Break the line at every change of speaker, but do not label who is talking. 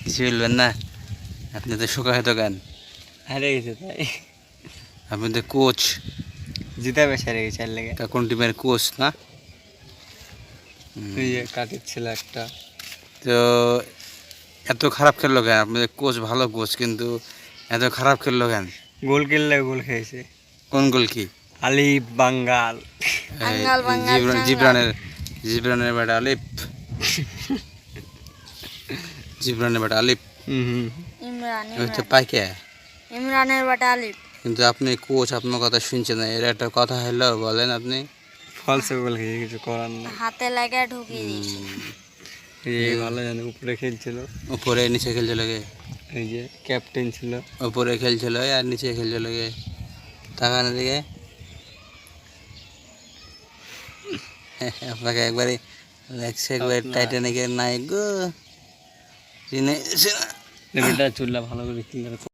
কিছু বলবেন না? আপনি তো শোকাহত গান,
হারে গেছে তাই
আপনি তো কোচ।
জিতা বেশ হারে গেছে আর লেগে।
তা কোন টিমের কোচ না?
ওই যে কাটির ছিল একটা।
তো এত খারাপ খেললো কেন? আপনাদের কোচ ভালো কোচ, কিন্তু এত খারাপ খেললো কেন?
গোল কিনলে গোল খেয়েছে
কোন গোল কি?
আলিফ বাঙ্গাল।
বাঙ্গাল বাঙ্গাল চাঙ্গাল।
জিবরানের জিবরানের বেটা আলিফ, জিবরানের বেটা আলিফ।
ইমরান
ওই তো
ইমরান
পাইকে।
ইমরানের বাটা আলিফ।
কিন্তু আপনি কোচ, আপনার কথা শুনছেন না, এর একটা কথা হলো বলেন আপনি।
ফলসে গোল খেয়েছে, কিছু করার নেই।
হাতে লাগা ঢুকিয়ে দিয়েছে।
এই ভালো জানে উপরে খেলছিল,
উপরে নিচে খেলছিল গে?
এই যে ক্যাপ্টেন ছিল।
উপরে খেলছিল আর নিচে খেলছিল গে? তাকানো দিকে আপনাকে একবারে লাগছে, একবার টাইটানিকের নায়ক গো। চিনে
লেভেলটা চুললা ভালো করে ক্লিয়ার